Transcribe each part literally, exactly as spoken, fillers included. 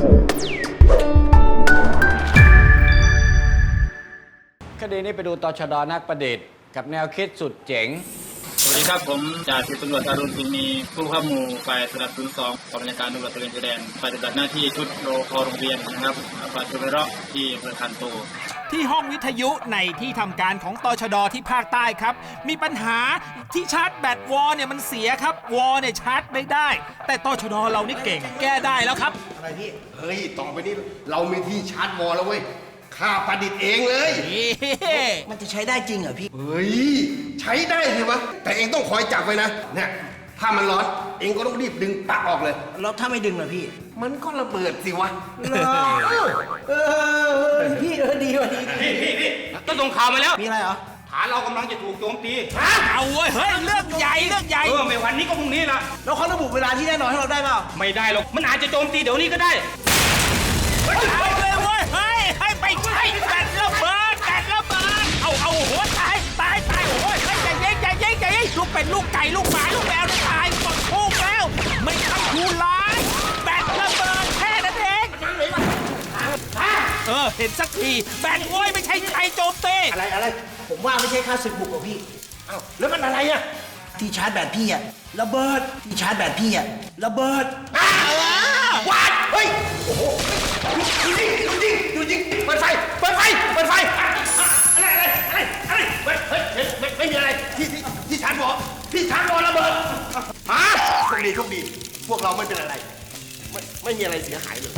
คดีนี้ไปดูตชด.นักประดิษฐ์กับแนวคิดสุดเจ๋งสวัสดีครับผมจ่าสิบตำรวจอรุณสิงห์มีผู้ข้าหมู่ฝ่ายสลับศูนย์สองกองบัญชาการตำรวจตระเวนชายแดนปฏิบัติหน้าที่ชุดโรคอโรงเรียนนะครับปัจจุบันที่อำเภอคันโตที่ห้องวิทยุในที่ทำการของตชด.ที่ภาคใต้ครับมีปัญหาที่ชาร์จแบตวอลเนี่ยมันเสียครับวอลเนี่ยชาร์จไม่ได้แต่ตชด.เรานี่เก่งแก้ได้แล้วครับอะไรพี่เฮ้ยต่อไปนี้เรามีที่ชาร์จวอลแล้วเว้ยข้าประดิษฐ์เองเลยมันจะใช้ได้จริงเหรอพี่เฮ้ยใช้ได้สิวะแต่เองต้องคอยจับไว้นะเนี่ยถ้ามันร้อนเองก็ต้องรีบดึงปลั๊กออกเลยแล้วถ้าไม่ดึงล่ะพี่มันก็ระเบิดสิวะเออพี่เออดีว่ะดีพี่พี่พี่ต้องส่งข่าวมาแล้วมีอะไรเหรอฐานเรากำลังจะถูกโจมตีเอาเว้ยเฮ้ยเรื่องใหญ่เรื่องใหญ่เออไม่วันนี้ก็พรุ่งนี้ละแล้วเขาระบุเวลาที่แน่นอนให้เราได้เปล่าไม่ได้หรอกมันอาจจะโจมตีเดี๋ยวนี้ก็ได้เอาเลยเว้ยเฮ้ยให้ไปใช้แบตระเบิดแบตระเบิดเอาเอาโหตายตายตายโอ้ยใจเย็นใจเย็นใจเย็นลูกเป็นลูกไก่ลูกหมาลูกแมวตายหมดทุกแล้วไม่ใช่ผู้ร้ายแบตระเบิดแค่นั้นเองเออเห็นสักทีแบตโว้ยไม่ใช่ใครโจมตีอะไรอะไรผมว่าไม่ใช่ค่าศึกบุกหรอกพี่เอ้าแล้วมันอะไรอะที่ชาร์จแบตพี่อะระเบิดที่ชาร์จแบตพี่อะระเบิดว้าเฮ้ยโอ้โหดูยิงดูยิงดูยิงเปิดไฟเปิดไฟเปิดไฟอะไรอะไรอะไรอะไรเฮ้ยเฮ้ยไม่ไม่มีอะไรที่ที่ที่ชาร์จวอลที่ชาร์จวอลระเบิดมาโชคดีโชคดีพวกเราไม่เป็นอะไรไม่ไม่มีอะไรเสียหายเลย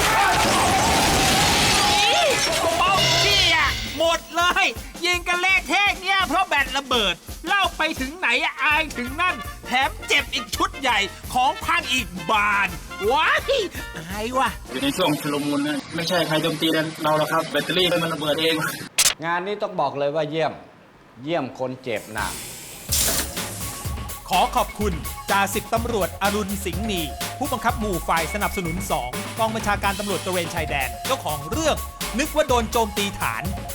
เบาพี่อะหมดเลยยิงกันเละเทะเนี่ยเพราะแบตระเบิดเล่าไปถึงไหนอายถึงนั่นแถมเจ็บอีกชุดใหญ่ของพังอีกบานว้ายอายว่ะอยู่ในช่วงชุลมุนนะไม่ใช่ใครโจมตีเราหรอกครับแบตเตอรี่มันระเบิดเองงานนี้ต้องบอกเลยว่าเยี่ยมเยี่ยมคนเจ็บหนักขอขอบคุณจ่าสิบตำรวจอรุณสิงห์มีผู้บังคับหมู่ฝ่ายสนับสนุนสองกองบัญชาการตำรวจตระเวนชายแดนเจ้าของเรื่องนึกว่าโดนโจมตีฐาน